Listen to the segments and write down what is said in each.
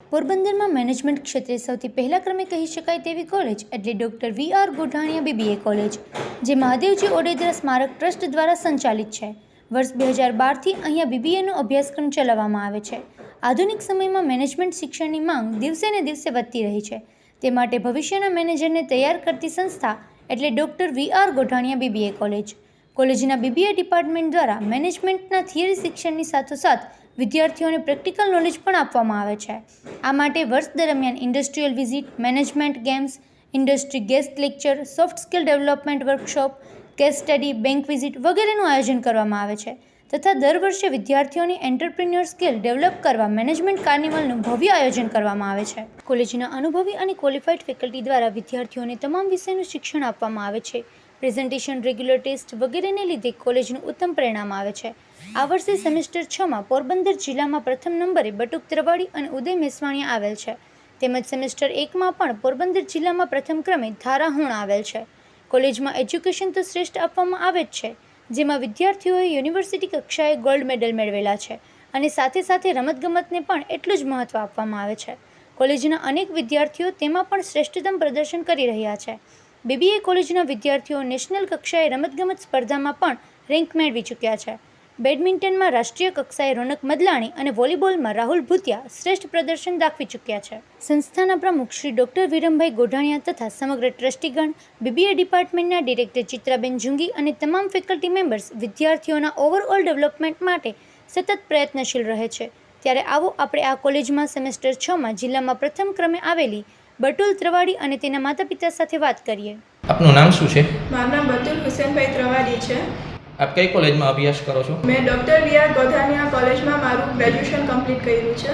પોરબંદરમાં મેનેજમેન્ટ ક્ષેત્રે સૌથી પહેલા ક્રમે કહી શકાય તેવી કોલેજ એટલે doctor V R. Godhaniya BBA college, જે મહાદેવજી ઓડેદરા સ્મારક ટ્રસ્ટ દ્વારા સંચાલિત છે. વર્ષ 2012થી અહીંયા બીબીએનો અભ્યાસક્રમ ચલાવવામાં આવે છે. આધુનિક સમયમાં મેનેજમેન્ટ શિક્ષણની માંગ દિવસે ને દિવસે વધતી રહી છે. તે માટે ભવિષ્યના મેનેજરને તૈયાર કરતી સંસ્થા એટલે doctor V R. Godhaniya BBA college. કોલેજના બીબીએ ડિપાર્ટમેન્ટ દ્વારા મેનેજમેન્ટના થિયરી શિક્ષણની સાથોસાથ વિદ્યાર્થીઓને પ્રેક્ટિકલ નોલેજ પણ આપવામાં આવે છે. આ માટે વર્ષ દરમિયાન industrial visit, management games, industry guest lecture, soft skill development workshop, case study, bank visit વગેરેનું આયોજન કરવામાં આવે છે તથા દર વર્ષે વિદ્યાર્થીઓની એન્ટરપ્રિન્યોર સ્કિલ ડેવલપ કરવા મેનેજમેન્ટ કાર્નિવલનું ભવ્ય આયોજન કરવામાં આવે છે. કોલેજના અનુભવી અને ક્વોલિફાઈડ ફેકલ્ટી દ્વારા વિદ્યાર્થીઓને તમામ વિષયનું શિક્ષણ આપવામાં આવે છે. પ્રેઝન્ટેશન, રેગ્યુલર ટેસ્ટ વગેરેને લીધે કોલેજનું ઉત્તમ પરિણામ આવે છે. આ વર્ષે સેમેસ્ટર 6માં પોરબંદર જિલ્લામાં પ્રથમ નંબરે બટુક ત્રવાડી અને ઉદય મેસવાણીયા આવેલ છે. તેમજ સેમેસ્ટર 1માં પણ પોરબંદર જિલ્લામાં પ્રથમ ક્રમે ધારા હુણ આવેલ છે. કોલેજમાં એજ્યુકેશન તો શ્રેષ્ઠ આપવામાં આવે જ છે, જેમાં વિદ્યાર્થીઓએ યુનિવર્સિટી કક્ષાએ ગોલ્ડ મેડલ મેળવેલા છે અને સાથે સાથે રમતગમતને પણ એટલું જ મહત્ત્વ આપવામાં આવે છે. કોલેજના અનેક વિદ્યાર્થીઓ તેમાં પણ શ્રેષ્ઠતમ પ્રદર્શન કરી રહ્યા છે. બીબીએ કોલેજના વિદ્યાર્થીઓ નેશનલ કક્ષાએ રમતગમત સ્પર્ધામાં પણ રેન્ક મેળવી ચૂક્યા છે. બેડમિન્ટનમાં રાષ્ટ્રીય કક્ષાએ રોનક મદલાણી અને વોલીબોલમાં રાહુલ ભૂતિયા શ્રેષ્ઠ પ્રદર્શન દાખવી ચૂક્યા છે. સંસ્થાના પ્રમુખ શ્રી ડૉક્ટર વિરમભાઈ ગોઢાણીયા તથા સમગ્ર ટ્રસ્ટીગણ, બીબીએ ડિપાર્ટમેન્ટના ડિરેક્ટર ચિત્રાબેન જુંગી અને તમામ ફેકલ્ટી મેમ્બર્સ વિદ્યાર્થીઓના ઓવરઓલ ડેવલપમેન્ટ માટે સતત પ્રયત્નશીલ રહે છે. ત્યારે આવો આપણે આ કોલેજમાં સેમેસ્ટર 6માં જિલ્લામાં પ્રથમ ક્રમે આવેલી બટુલ ત્રવાડી અને તેના માતા પિતા સાથે વાત કરીએ. આપનું નામ શું છે? મારું નામ બતુલ હુસેનભાઈ ત્રવાડી છે. આપ કઈ કોલેજમાં અભ્યાસ કરો છો? મેં ડૉક્ટર વી.આર. ગોઢાણીયા કોલેજમાં મારું ગ્રેજ્યુએશન કમ્પ્લીટ કર્યું છે.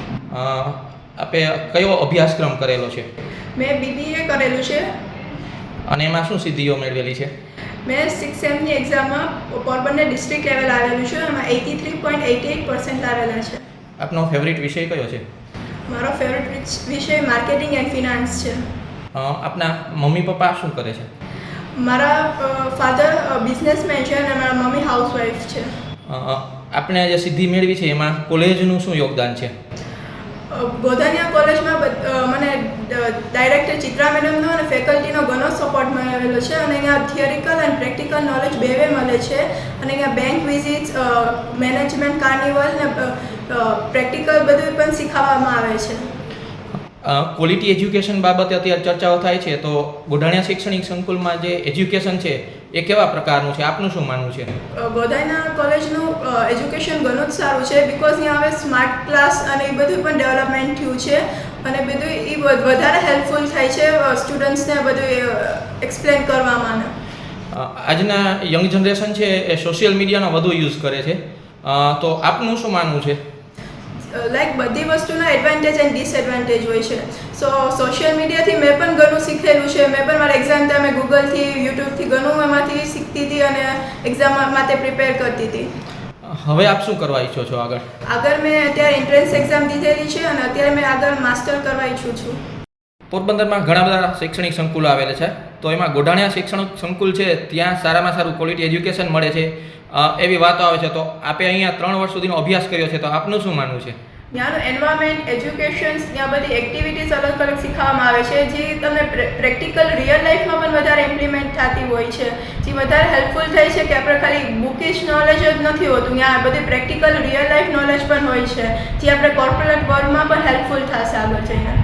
આપે કયો અભ્યાસક્રમ કરેલો છે? મેં બીબીએ કરેલું છે. અને એમાં શું સિદ્ધિઓ મેળવેલી છે? મેં 6th સેમની એક્ઝામમાં પોરબંદર ડિસ્ટ્રિક્ટ લેવલ આવેલું છે. એમાં 83.88% આવેલા છે. આપનો ફેવરિટ વિષય કયો છે? મારો ફેવરિટ વિષય માર્કેટિંગ એન્ડ ફિનાન્સ છે. આપના મમ્મી પપ્પા શું કરે છે? મારા ફાધર બિઝનેસમેન છે અને મારા મમ્મી હાઉસવાઈફ છે. આપણે જે સિદ્ધિ મેળવી છે એમાં કોલેજનું શું યોગદાન છે? ગોઢાણીયા કોલેજમાં મને ડાયરેક્ટર ચિત્રા મેડમનો અને ફેકલ્ટીનો ઘણો સપોર્ટ મળેલો છે અને અહીંયા થિયરિકલ અને પ્રેક્ટિકલ નોલેજ બેવે મળે છે અને અહીંયા બેંક વિઝિટ્સ, મેનેજમેન્ટ કાર્નિવલ ને પ્રેક્ટિકલ બધું પણ શીખવવામાં આવે છે. ક્વોલિટી એજ્યુકેશન બાબતે અત્યારે ચર્ચાઓ થાય છે, તો ગોઢાણીયા શૈક્ષણિક સંકુલમાં જે એજ્યુકેશન છે એ કેવા પ્રકારનું છે? આપનું શું માનવું છે? ગોઢાણીયા કોલેજનું એજ્યુકેશન ઘણું જ સારું છે, બિકોઝ અહીંયા હવે સ્માર્ટ ક્લાસ અને એ બધું પણ ડેવલપમેન્ટ થયું છે અને બધું એ વધારે હેલ્પફુલ થાય છે સ્ટુડન્ટ્સને બધું એક્સપ્લેન કરવામાં. આજના યંગ જનરેશન છે એ સોશિયલ મીડિયાનો વધુ યુઝ કરે છે, તો આપનું શું માનવું છે? લાઈક બધી વસ્તુના એડવાન્ટેજ એન્ડ ડિસએડવાન્ટેજ હોય છે. સો સોશિયલ મીડિયાથી મેં પણ ઘણું શીખેલું છે. મેં પણ મારા એક્ઝામ ટાઈમે ગૂગલથી, યુટ્યુબથી ઘણું એમાંથી શીખતી હતી અને એક્ઝામ માટે પ્રિપેર કરતી હતી. હવે આપ શું કરવા ઈચ્છો છો આગળ? આગળ મેં અત્યારે એન્ટ્રન્સ એક્ઝામ દીધેલી છે અને અત્યારે મેં આગળ માસ્ટર કરવા ઈચ્છું છું. પોરબંદરમાં ઘણા બધા શૈક્ષણિક સંકુલો આવેલા છે, તો એમાં ગોઢાણીયા શૈક્ષણિક સંકુલ છે ત્યાં સારામાં સારું ક્વોલિટી એજ્યુકેશન મળે છે એવી વાતો આવે છે. તો આપે અહીંયા 3 વર્ષ સુધીનો અભ્યાસ કર્યો છે, તો આપનું શું માનવું છે? ત્યાંનું એન્વાયરમેન્ટ, એજ્યુકેશન્સ, ત્યાં બધી એક્ટિવિટીઝ અલગ અલગ શીખવવામાં આવે છે જે તમને પ્રેક્ટિકલ રિયલ લાઈફમાં પણ વધારે ઇમ્પ્લિમેન્ટ થતી હોય છે, જે વધારે હેલ્પફુલ થાય છે કે આપણે ખાલી બુકિશ નોલેજ જ નથી હોતું, ત્યાં બધી પ્રેક્ટિકલ રિયલ લાઈફ નોલેજ પણ હોય છે જે આપણે કોર્પોરેટ વર્લ્ડમાં પણ હેલ્પફુલ થશે આગળ જઈને.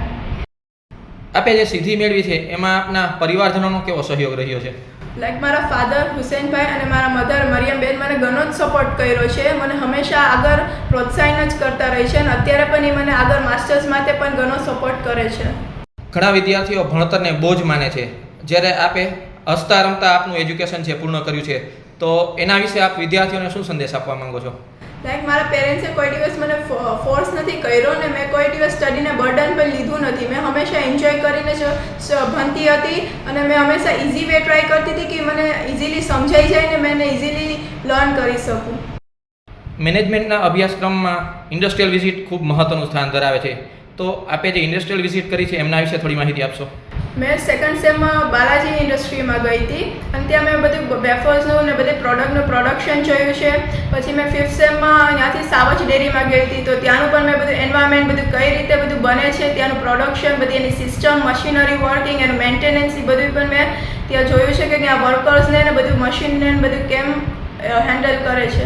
આપે જે સિદ્ધિ મેળવી છે એમાં આપના પરિવારજનોનો કેવો સહયોગ રહ્યો છે? લાઈક મારા ફાધર હુસેનભાઈ અને મારા મધર મરિયમબેન મને ઘણો જ સપોર્ટ કર્યો છે. મને હંમેશા આગળ પ્રોત્સાહન જ કરતા રહી છે અને અત્યારે પણ એ મને આગળ માસ્ટર્સ માટે પણ ઘણો સપોર્ટ કરે છે. ઘણા વિદ્યાર્થીઓ ભણતરને બોજ માને છે, જ્યારે આપે હસતા રમતા આપનું એજ્યુકેશન છે પૂર્ણ કર્યું છે, તો એના વિશે આપ વિદ્યાર્થીઓને શું સંદેશ આપવા માંગો છો? લાઈક મારા પેરેન્ટ્સે કોઈ દિવસ મને ફોર્સ નથી કર્યો ને મેં કોઈ દિવસ સ્ટડીને બર્ડન પણ લીધું નથી. મેં હંમેશા એન્જોય કરીને જ ભણતી હતી અને મેં હંમેશા ઇઝી વે ટ્રાય કરતી હતી કે મને ઇઝીલી સમજાઈ જાય ને મેં ઇઝીલી લર્ન કરી શકું. મેનેજમેન્ટના અભ્યાસક્રમમાં ઇન્ડસ્ટ્રીયલ વિઝિટ ખૂબ મહત્ત્વનું સ્થાન ધરાવે છે, તો આપે જે ઇન્ડસ્ટ્રીયલ વિઝિટ કરી છે એમના વિશે થોડી માહિતી આપશો? મેં સેકન્ડ સેમમાં બાલાજી ઇન્ડસ્ટ્રીમાં ગઈ હતી અને ત્યાં મેં બધું વેફર્સનું ને બધી પ્રોડક્ટનું પ્રોડક્શન જોયું છે. પછી મેં ફિફ્થ સેમમાં ત્યાંથી સાવજ ડેરીમાં ગઈ હતી, તો ત્યાંનું પણ મેં બધું એન્વાયરમેન્ટ બધું કઈ રીતે બધું બને છે, ત્યાંનું પ્રોડક્શન, બધી એની સિસ્ટમ, મશીનરી વર્કિંગ, એનું મેન્ટેનન્સ, એ બધું પણ મેં ત્યાં જોયું છે કે ત્યાં વર્કર્સને ને બધું મશીનને બધું કેમ હેન્ડલ કરે છે.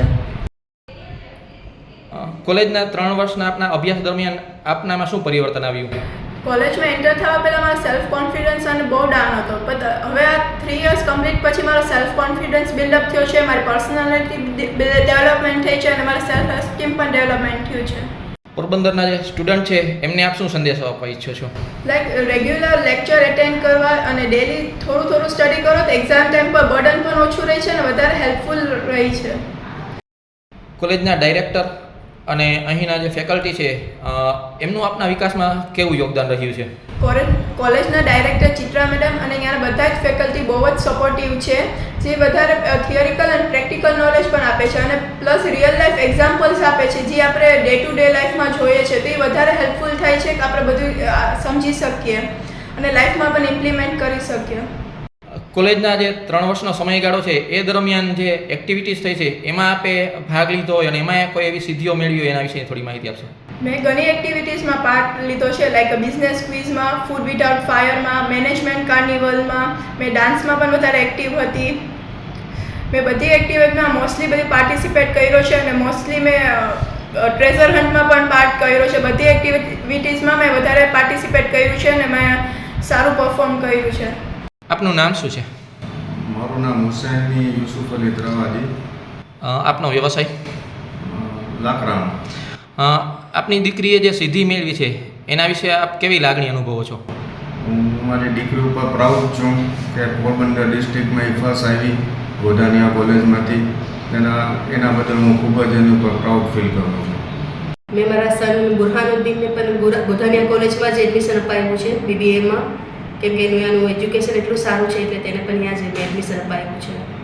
કોલેજના 3 વર્ષના આપના અભ્યાસ દરમિયાન આપનામાં શું પરિવર્તન આવ્યું? કોલેજમાં એન્ટર થવા પહેલાં મારો સેલ્ફ કોન્ફિડન્સ અને બહુ ડાઉન હતો, પણ હવે આ 3 યર્સ કમ્પ્લીટ પછી મારો સેલ્ફ કોન્ફિડન્સ બિલ્ડઅપ થયો છે, મારી પર્સનાલિટી ડેવલપમેન્ટ થઈ છે અને મારી સેલ્ફ એસ્ટીમ પણ ડેવલપમેન્ટ થયું છે. પોરબંદરના જે સ્ટુડન્ટ છે એમને આપ શું સંદેશો આપવા ઈચ્છો છો? લાઈક રેગ્યુલર લેક્ચર એટેન્ડ કરવા અને ડેલી થોડું સ્ટડી કરો તો એક્ઝામ ટાઈમ પર બર્ડન પણ ઓછું રહે છે અને વધારે હેલ્પફુલ રહી છે. કોલેજના ડાયરેક્ટર અને અહીંના જે ફેકલ્ટી છે એમનું આપના વિકાસમાં કેવું યોગદાન રહ્યું છે? કોલેજના ડાયરેક્ટર ચિત્રા મેડમ અને અહીંયાના બધા જ ફેકલ્ટી બહુ જ સપોર્ટિવ છે, જે વધારે થિયરિકલ અને પ્રેક્ટિકલ નોલેજ પણ આપે છે અને પ્લસ રિયલ લાઈફ એક્ઝામ્પલ્સ આપે છે, જે આપણે ડે ટુ ડે લાઈફમાં જોઈએ છે, તો એ વધારે હેલ્પફુલ થાય છે કે આપણે બધું સમજી શકીએ અને લાઈફમાં પણ ઇમ્પ્લિમેન્ટ કરી શકીએ. કોલેજના જે 3 વર્ષનો સમયગાળો છે એ દરમિયાન જે એક્ટિવિટીઝ થઈ છે એમાં આપે ભાગ લીધો હોય અને એમાં કોઈ એવી સિદ્ધિઓ મેળવી હોય એના વિશે થોડી માહિતી આપશો? મેં ઘણી એક્ટિવિટીઝમાં પાર્ટ લીધો છે, લાઈક બિઝનેસ ક્વિઝમાં, ફૂડ વિધાઉટ ફાયરમાં, મેનેજમેન્ટ કાર્નિવલમાં, મેં ડાન્સમાં પણ વધારે એક્ટિવ હતી. મેં બધી એક્ટિવિટીમાં મોસ્ટલી બધી પાર્ટિસિપેટ કર્યો છે અને મોસ્ટલી મેં ટ્રેઝર હન્ટમાં પણ પાર્ટ કર્યો છે. બધી એક્ટિવિટીઝમાં મેં વધારે પાર્ટિસિપેટ કર્યું છે અને મેં સારું પરફોર્મ કર્યું છે. આપનું નામ શું છે? મારું નામ હુસૈની યુસુફ અલી ત્રવાદી. આપનો વ્યવસાય? લાકડાનો. આપની દીકરીએ જે સિદ્ધિ મેળવી છે એના વિશે આપ કેવી લાગણી અનુભવો છો? હું મારી દીકરી ઉપર પ્રાઉડ છું કે પોરબંદર ડિસ્ટ્રિક્ટમાં એ ફર્સ્ટ આવી ગોધાનિયા કોલેજમાંથી. એના બદલ હું ખૂબ જ એની ઉપર પ્રાઉડ ફીલ કરું છું. મેં મારા સન બુરહાનુદ્દીનને પણ ગોધાનિયા કોલેજમાં જ એડમિશન અપાવ્યું છે BBAમાં, કેમ કે એનું એજ્યુકેશન એટલું સારું છે એટલે તેને પણ ત્યાં જ એડમિશન અપાવ્યું છે.